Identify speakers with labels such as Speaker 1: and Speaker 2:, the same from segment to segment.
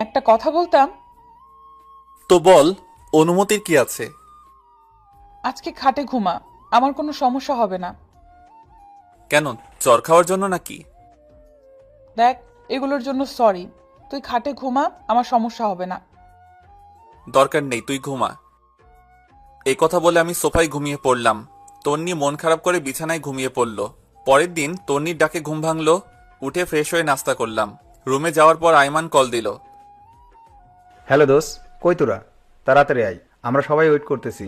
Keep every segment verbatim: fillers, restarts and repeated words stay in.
Speaker 1: একটা কথা বলতাম।
Speaker 2: তো বল, অনুমতির কি আছে?
Speaker 1: আজকে খাটে ঘুমা, আমার কোনো সমস্যা হবে না।
Speaker 2: কেন, চর খাওয়ার জন্য নাকি?
Speaker 1: দেখ, এগুলোর জন্য সরি। তুই খাটে ঘুমা, আমার সমস্যা হবে না।
Speaker 2: দরকার নেই, তুই ঘুমা। এই কথা বলে আমি সোফায় ঘুমিয়ে পড়লাম। তন্নি মন খারাপ করে বিছানায় ঘুমিয়ে পড়ল। পরের দিন তন্নির ডাকে ঘুম ভাঙলো। উঠে ফ্রেশ হয়ে নাস্তা করলাম। রুমে যাওয়ার পর আইমান কল দিল।
Speaker 3: হ্যালো দোস্ত, কই তোরা? তাড়াতাড়ি আয়, আমরা সবাই ওয়েট করতেছি।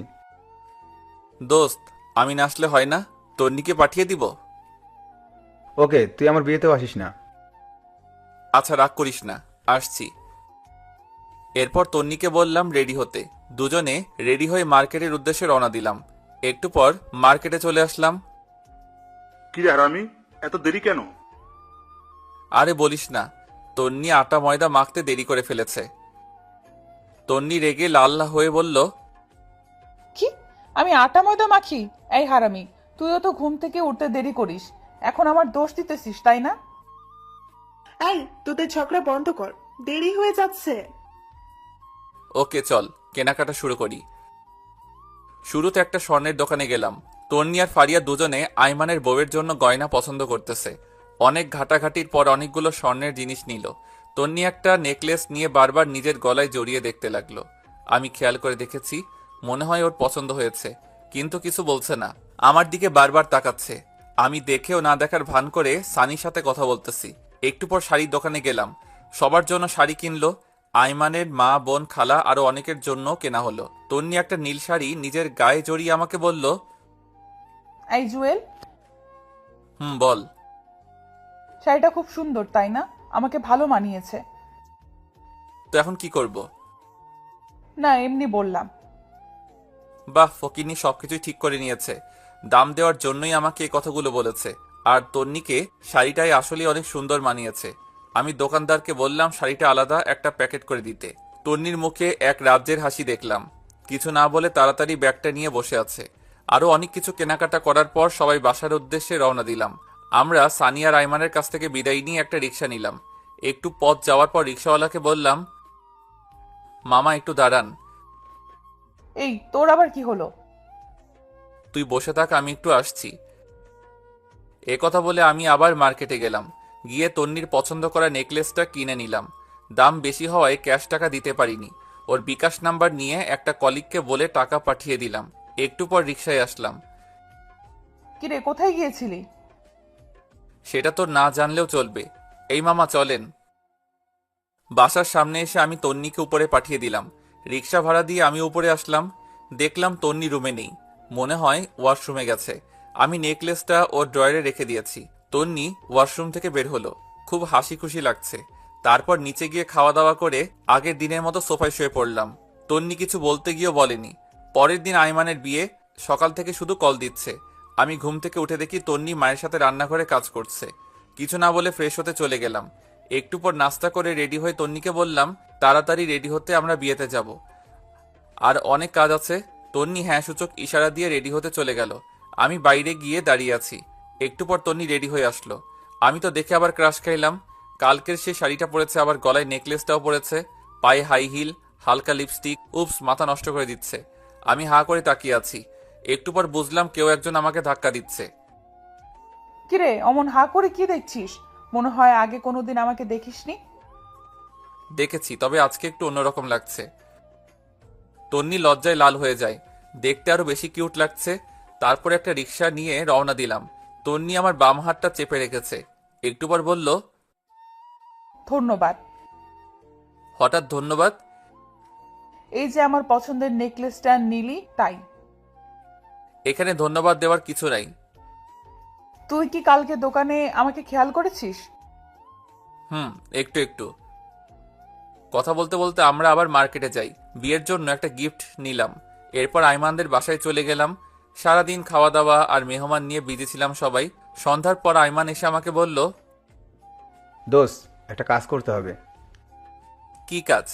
Speaker 2: দোস্ত, আমি না আসলে হয় না? তন্নিকে পাঠিয়ে দিব?
Speaker 3: ওকে, তুই আমার বিয়েতেও আসিস না।
Speaker 2: আচ্ছা, রাগ করিস না, আসছি। এরপর তন্নিকে বললাম রেডি হতে। দুজনে রেডি হয়ে মার্কেটের উদ্দেশ্যে রওনা দিলাম। একটু পর মার্কেটে চলে আসলাম।
Speaker 4: কি রে হারামি, এত দেরি কেন?
Speaker 2: আরে বলিস না, তন্নি আটা ময়দা মাখতে দেরি করে ফেলেছে। তন্নি রেগে লাল হয়ে বলল,
Speaker 1: কি? আমি আটা ময়দা মাখি? এই হারামি, তুইও তো ঘুম থেকে উঠতে দেরি করিস, এখন আমার দোষ দিতেছিস তাই না?
Speaker 5: এই, তোদের ঝগড়া বন্ধ কর, দেরি হয়ে যাচ্ছে।
Speaker 2: ওকে চল, কেনাকাটা শুরু করি। শুরুতে একটা স্বর্ণের দোকানে গেলাম। তন্নি আর ফারিয়া দুজনে আইমানের বউয়ের জন্য গয়না পছন্দ করতেছে। অনেক ঘাটাঘাটির পর অনেকগুলো স্বর্ণের জিনিস নিল। তন্নি একটা নেকলেস নিয়ে বারবার নিজের গলায় জড়িয়ে দেখতে লাগলো। আমি খেয়াল করে দেখেছি, মনে হয় ওর পছন্দ হয়েছে, কিন্তু কিছু বলছে না। আমার দিকে বারবার তাকাচ্ছে। আমি দেখেও না দেখার ভান করে সানির সাথে কথা বলতেছি। একটু পর শাড়ির দোকানে গেলাম। সবার জন্য শাড়ি কিনলো। আইমানের মা, বোন, খালা আরো অনেকের জন্য কেনা হলো। তন্নি একটা নীল শাড়ি নিজের গায়ে জড়িয়ে আমাকে বলল,
Speaker 1: এই জুয়েল,
Speaker 2: হুম বল।
Speaker 1: শাড়িটা খুব সুন্দর তাই না? আমাকে ভালো মানিয়েছে।
Speaker 2: তো এখন কি করব?
Speaker 1: না, এমনি বললাম।
Speaker 2: বাহ, ফকিনি সবকিছুই ঠিক করে নিয়েছে। দাম দেওয়ার জন্যই আমাকে এই কথাগুলো বলেছে। আর তন্নিকে শাড়িটাই আসলে অনেক সুন্দর মানিয়েছে। আমি দোকানদারকে বললাম শাড়িটা আলাদা একটা প্যাকেট করে দিতে। তন্নির মুখে এক রাজ্যের হাসি দেখলাম। কিছু না বলে তাড়াতাড়ি ব্যাগটা নিয়ে বসে আছে। আরো অনেক কিছু কেনাকাটা করার পর সবাই বাসার উদ্দেশ্যে রওনা দিলাম। আমরা সানিয়া রাইমানের কাছ থেকে বিদায় নিয়ে একটা রিক্সা নিলাম। একটু পথ যাওয়ার পর রিক্সাওয়ালাকে বললাম, মামা একটু দাঁড়ান।
Speaker 1: এই, তোর আবার কি হলো?
Speaker 2: তুই বসে থাক, আমি একটু আসছি। এ কথা বলে আমি আবার মার্কেটে গেলাম। গিয়ে তন্নির পছন্দ করা নেকলেসটা কিনে নিলাম। দাম বেশি হওয়ায় ক্যাশ টাকা দিতে পারিনি। ওর বিকাশ নাম্বার নিয়ে একটা কলিগকে বলে টাকা পাঠিয়ে দিলাম। একটু পর রিকশায় আসলাম।
Speaker 1: কিরে, কোথায় গিয়েছিলি?
Speaker 2: সেটা তো না জানলেও চলবে। এই মামা চলেন। বাসার সামনে এসে আমি তন্নিকে উপরে পাঠিয়ে দিলাম। রিকশা ভাড়া দিয়ে আমি উপরে আসলাম। দেখলাম তন্নি রুমে নেই। মনে হয় ওয়াশরুমে গেছে। আমি নেকলেসটা ওর ড্রয়ারে রেখে দিয়েছি। তন্নি ওয়াশরুম থেকে বের হলো। খুব হাসি খুশি লাগছে। তারপর নিচে গিয়ে খাওয়া দাওয়া করে আগের দিনের মতো সোফায় শুয়ে পড়লাম। তন্নি কিছু বলতে গিয়েও বলেনি। পরের দিন আইমানের বিয়ে। সকাল থেকে শুধু কল দিচ্ছে। আমি ঘুম থেকে উঠে দেখি তন্নি মায়ের সাথে রান্নাঘরে কাজ করছে। কিছু না বলে ফ্রেশ হতে চলে গেলাম। একটু পর নাস্তা করে রেডি হয়ে তন্নিকে বললাম, তাড়াতাড়ি রেডি হতে, আমরা বিয়েতে যাব। আর অনেক কাজ আছে। তন্নি হ্যাঁ সূচক ইশারা দিয়ে রেডি হতে চলে গেল। আমি বাইরে গিয়ে দাঁড়িয়ে আছি। একটু পর তন্নি রেডি হয়ে আসলো। আমি তো দেখে আবার ক্রাশ খাইলাম। কালকের সেই শাড়িটা পরেছে, আবার গলায় নেকলেসটাও পরেছে, পায়ে হাই হিল, হালকা লিপস্টিক। উপস, মাথা নষ্ট করে দিচ্ছে। আমি হা করে তাকিয়ে আছি। একটু পর বুঝলাম কেউ একজন আমাকে ধাক্কা দিচ্ছে।
Speaker 1: কিরে, অমন হা করে কি দেখছিস? মনে হয় আগে কোনোদিন আমাকে দেখিসনি।
Speaker 2: দেখেছি, তবে আজকে একটু অন্যরকম লাগছে। তন্নি লজ্জায় লাল হয়ে যায়। দেখতে আরো বেশি কিউট লাগছে। তারপর একটা রিক্সা নিয়ে রওনা দিলাম। তন্নি আমার বাম হাতটা চেপে রেখেছে। একটু পর বলল,
Speaker 1: ধন্যবাদ।
Speaker 2: হঠাৎ ধন্যবাদ?
Speaker 1: এই যে আমার পছন্দের নেকলেসটা নিলি তাই।
Speaker 2: এখানে ধন্যবাদ দেওয়ার কিছু নাই।
Speaker 1: তুই কি কালকে দোকানে আমাকে খেয়াল করেছিস?
Speaker 2: হুম, একটু একটু। কথা বলতে বলতে আমরা আবার মার্কেটে যাই। বিয়ের জন্য একটা গিফট নিলাম। এরপর আইমানদের বাসায় চলে গেলাম। সারাদিন খাওয়া দাওয়া আর মেহমান নিয়ে বিজি ছিলাম সবাই। সন্ধ্যার পর আইমান এসে আমাকে বলল,
Speaker 3: দোস্ত, একটা কাজ করতে হবে।
Speaker 2: কি কাজ?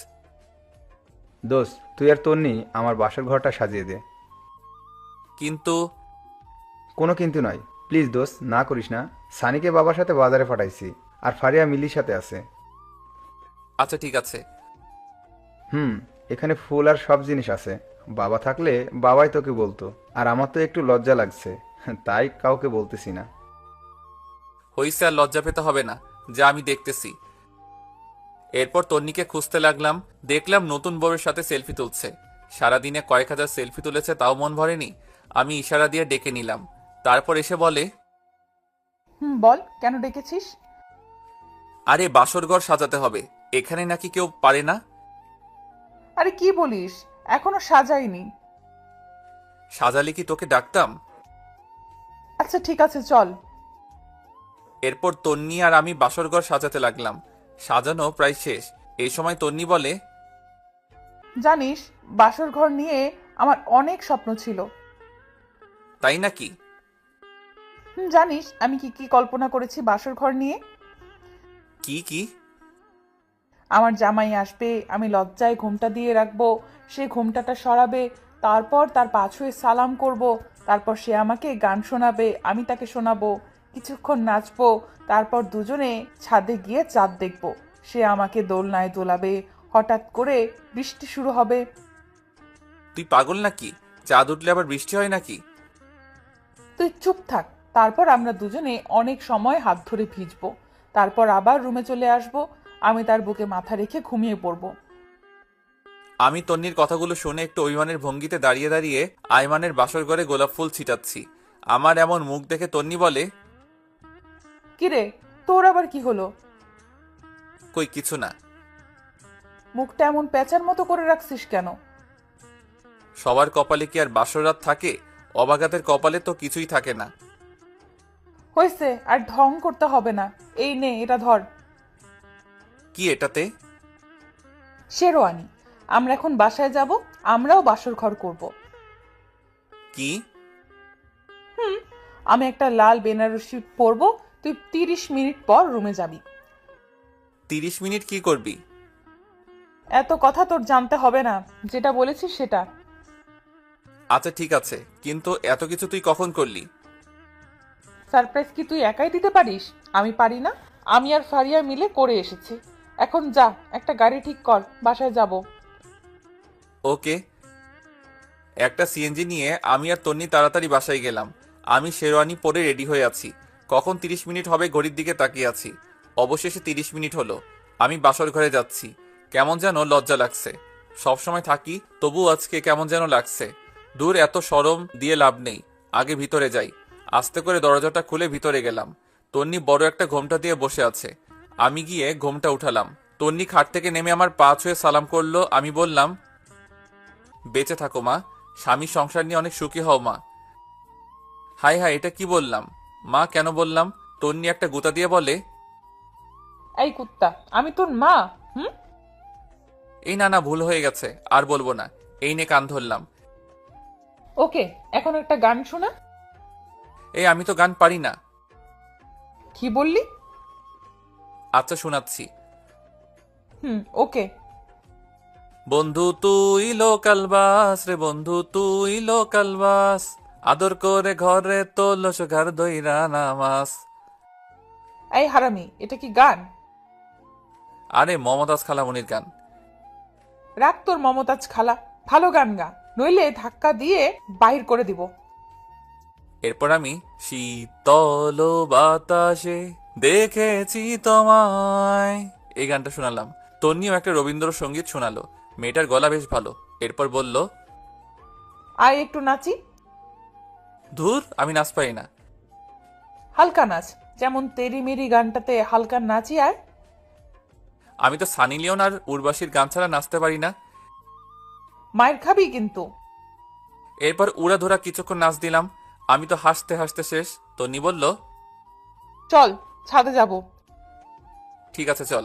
Speaker 3: দোস্ত, তুই আর তন্নি আমার বাসার ঘরটা সাজিয়ে দে।
Speaker 2: কিন্তু
Speaker 3: কোনো কিন্তু নয়, প্লিজ দোস্ত, না করিস না। সানিকে বাবার সাথে বাজারে পাঠাইছি, আর ফারিয়া মিলির সাথে আছে।
Speaker 2: আচ্ছা ঠিক আছে।
Speaker 3: হুম, এখানে ফুল আর সব জিনিস আছে। বাবা থাকলে বাবাই তোকে বলতো, আর আমার তো একটু লজ্জা লাগছে, তাই কাউকে বলতেছি না।
Speaker 2: হইছে, আর লজ্জা পেতে হবে না, যা আমি দেখতেছি। এরপর তন্নিকে খুঁজতে লাগলাম, দেখলাম নতুন বউয়ের সাথে সেলফি তুলছে। সারাদিনে কয়েক হাজার সেলফি তুলেছে, তাও মন ভরেনি। আমি ইশারা দিয়ে ডেকে নিলাম। তারপর এসে বলে,
Speaker 1: হুম, বল কেন ডেকেছিস?
Speaker 2: আরে বাসর ঘর সাজাতে হবে, এখানে নাকি কেউ পারে না।
Speaker 1: আরে কি বলিস, এখনো সাজাইনি।
Speaker 2: সাজালে কি তোকে ডাকতাম?
Speaker 1: আচ্ছা ঠিক আছে, চল।
Speaker 2: এরপর তন্নি আর আমি বাসর ঘর সাজাতে লাগলাম। সাজানো প্রায় শেষ। এই সময় তন্নি বলে,
Speaker 1: জানিস, বাসর ঘর নিয়ে আমার অনেক স্বপ্ন ছিল।
Speaker 2: তাই নাকি?
Speaker 1: হুম, জানিস আমি কি কি কল্পনা করেছি বাসর ঘর নিয়ে?
Speaker 2: কি কি?
Speaker 1: আমার জামাই আসবে, আমি লজ্জায় ঘোমটা দিয়ে রাখবো, সে ঘোমটাটা সরাবে, তারপর তার পাছুয়ে সালাম করব, তারপর সে আমাকে গান শোনাবে, আমি তাকে শোনাবো, কিছুক্ষণ নাচবো, তারপর দুজনে ছাদে গিয়ে চাঁদ দেখবো, সে আমাকে দোলনায় দোলাবে, হঠাৎ করে বৃষ্টি শুরু হবে।
Speaker 2: তুই পাগল নাকি? চাঁদ উঠলে আবার বৃষ্টি হয় নাকি?
Speaker 1: তুই চুপ থাক। তারপর আমরা দুজনে অনেক সময় হাত ধরে ভিজবো, তারপর আবার রুমে চলে আসবো, আমি তার বুকে মাথা রেখে ঘুমিয়ে পড়বো।
Speaker 2: আমি তন্নির কথাগুলো শুনে একটু অভিমানের ভঙ্গিতে দাঁড়িয়ে দাঁড়িয়ে আয়মানের বাসর ঘরে গোলাপ ফুল ছিটাচ্ছি। আমার এমন মুখ দেখে তন্নি বলে,
Speaker 1: কিরে, তোর আবার কি হলো?
Speaker 2: কই কিছু না।
Speaker 1: মুখটা এমন প্যাঁচার মতো করে রাখছিস কেন?
Speaker 2: সবার কপালে কি আর বাসর রাত থাকে? অবাগাতের কপালে তো কিছুই থাকে না।
Speaker 1: হয়েছে, আর ঢং করতে হবে না। এই নে, এটা ধর।
Speaker 2: কি এটাতে?
Speaker 1: শেরওয়ানি। আমরা এখন বাসায় যাব, আমরাও বাসর ঘর করব।
Speaker 2: কি?
Speaker 1: আমি একটা লাল বেনারসি পরবো, তুই তিরিশ মিনিট পর রুমে যাবি।
Speaker 2: তিরিশ মিনিট কি করবি?
Speaker 1: এত কথা তোর জানতে হবে না, যেটা বলেছিস সেটা।
Speaker 2: আচ্ছা ঠিক আছে, কিন্তু এত কিছু তুই কখন করলি?
Speaker 1: সারপ্রাইজ কি তুই একাই দিতে পারিস? আমি পারি না? আমি আর ফারিয়া মিলে করে এসেছি। এখন যা, একটা গাড়ি ঠিক কর, বাসায় যাব।
Speaker 2: ওকে। একটা সিএনজি নিয়ে আমি আর তন্নি তাড়াতাড়ি বাসায় গেলাম। আমি শেরওয়ানি পরে রেডি হয়ে আছি। কখন তিরিশ মিনিট হবে ঘড়ির দিকে তাকিয়ে আছি। অবশেষে তিরিশ মিনিট হলো। আমি বাসর ঘরে যাচ্ছি। কেমন যেন লজ্জা লাগছে। সবসময় থাকি, তবু আজকে কেমন যেন লাগছে। দূর, এত শরম দিয়ে লাভ নেই। আগে ভিতরে যাই। আস্তে করে দরজাটা খুলে ভিতরে গেলাম। তন্নি বড় একটা ঘোমটা দিয়ে বসে আছে। আমি গিয়ে ঘোমটা উঠালাম। তন্নি খাট থেকে নেমে আমার পা ছুঁয়ে সালাম করলো। আমি বললাম, বেঁচে থাকো মা, স্বামী সংসার নিয়ে অনেক সুখী হও মা। হাই হাই, এটা কি বললাম? মা কেন বললাম? তন্নি একটা গুতা দিয়ে বলে,
Speaker 1: এই কুত্তা, আমি তোর মা? হুম?
Speaker 2: এই না না, ভুল হয়ে গেছে, আর বলবো না। এই নে কান ধরলাম।
Speaker 1: ওকে, এখন একটা গান শোনা।
Speaker 2: এই আমি তো গান পারি না।
Speaker 1: কি বললি?
Speaker 2: আচ্ছা শোনাচ্ছি।
Speaker 1: হুম, ওকে।
Speaker 2: বন্ধু তুই লোকাল বাস রে, বন্ধু তুই লোকাল বাস, আদর করে ঘরে তোলো ঘর দইরা নামাস।
Speaker 1: এই হারামি, এটা কি গান?
Speaker 2: আরে মমতাজ খালামণির গান।
Speaker 1: রাখ তোর মমতাজ খালা, ভালো গান গা, নইলে ধাক্কা দিয়ে বাহির করে দিব।
Speaker 2: এরপর আমি শীতল বাতাসে দেখেছি তোমায়, এই গানটা শোনালাম। তন্নিও একটা রবীন্দ্রসঙ্গীত শোনালো। মেয়েটার গলা বেশ ভালো। এরপর বলল,
Speaker 1: আয় একটু নাচি।
Speaker 2: ধুর, আমি নাচ পাই না।
Speaker 1: হালকা নাচ, যেমন তেরি মেরি গানটাতে হালকা নাচি। আয়।
Speaker 2: আমি তো সানি লিওন আর উর্বাশীর গান ছাড়া নাচতে পারি না।
Speaker 1: মায়ের খাবি কিন্তু।
Speaker 2: এরপর উড়া ধরা কিছুক্ষণ নাচ দিলাম। আমি তো হাসতে হাসতে শেষ। তন্নি বলল,
Speaker 1: চল, ছাদে যাব।
Speaker 2: ঠিক আছে চল।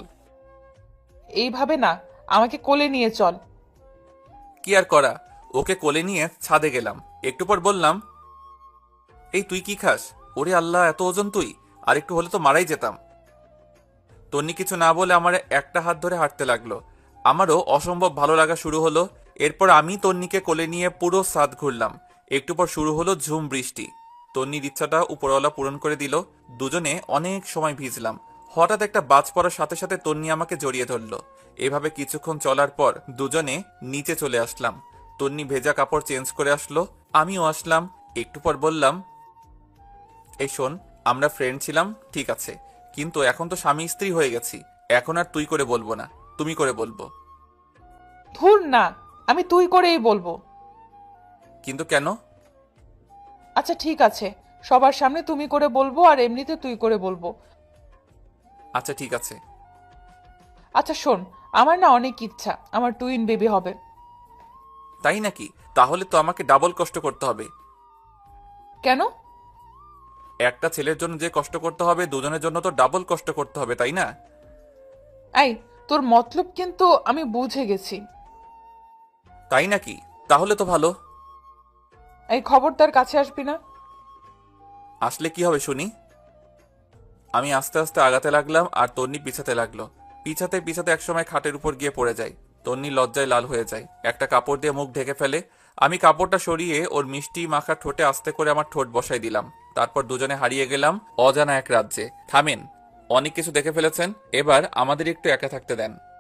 Speaker 1: এইভাবে না, আমাকে কোলে নিয়ে চল।
Speaker 2: কি আর করা, ওকে কোলে নিয়ে ছাদে গেলাম। একটু পর বললাম, এই তুই কি খাস? ওরে আল্লাহ, এত ওজন তুই! আর একটু হলে তো মারাই যেতাম। তন্নি কিছু না বলে আমার একটা হাত ধরে হাঁটতে লাগলো। আমারও অসম্ভব ভালো লাগা শুরু হলো। এরপর আমি তন্নিকে কোলে নিয়ে পুরো ছাদ ঘুরলাম। একটু পর শুরু হলো ঝুম বৃষ্টি। তন্নির ইচ্ছাটা উপরওয়ালা পূরণ করে দিল। দুজনে অনেক সময় ভিজলাম। হঠাৎ একটা বাজ পড়ার সাথে সাথে তন্নি আমাকে জড়িয়ে ধরলো। এভাবে কিছুক্ষণ চলার পর দুজনে নিচে চলে আসলাম। তন্নি ভেজা কাপড় চেঞ্জ করে আসলো, আমিও আসলাম। একটু পর বললাম, এই শোন, আমরা ফ্রেন্ড ছিলাম ঠিক আছে, কিন্তু এখন তো স্বামী স্ত্রী হয়ে গেছি। এখন আর তুই করে বলবো না, তুমি করে বলবো।
Speaker 1: ধুর না, আমি তুই করেই বলবো।
Speaker 2: কিন্তু কেন?
Speaker 1: আচ্ছা ঠিক আছে, সবার সামনে তুমি করে বলবো আর এমনিতে তুই করে বলবো।
Speaker 2: আচ্ছা ঠিক আছে।
Speaker 1: আচ্ছা শোন, আমার না অনেক ইচ্ছা আমার টুইন বেবি হবে।
Speaker 2: তাই নাকি? তাহলে তো আমাকে ডাবল কষ্ট করতে হবে।
Speaker 1: কেন?
Speaker 2: একটা ছেলের জন্য যে কষ্ট করতে হবে, দুজনের জন্য তো ডাবল কষ্ট করতে হবে, তাই না?
Speaker 1: এই, তোর মতলব কিন্তু আমি বুঝে গেছি।
Speaker 2: তাই নাকি? তাহলে তো ভালো।
Speaker 1: এই খবরদার কাছে আসবি না।
Speaker 2: আসলে কি হবে শুনি? আমি আস্তে আস্তে আগাতে লাগলাম আর তন্নি পিছাতে লাগলো। পিছাতে পিছাতে একসময় খাটের উপর গিয়ে পড়ে যায়। তন্নি লজ্জায় লাল হয়ে যায়, একটা কাপড় দিয়ে মুখ ঢেকে ফেলে। আমি কাপড়টা সরিয়ে ওর মিষ্টি মাখা ঠোঁটে আস্তে করে আমার ঠোঁট বসাই দিলাম। তারপর দুজনে হারিয়ে গেলাম অজানা এক রাজ্যে। থামেন, অনেক কিছু দেখে ফেলেছেন, এবার আমাদের একটু একা থাকতে দেন।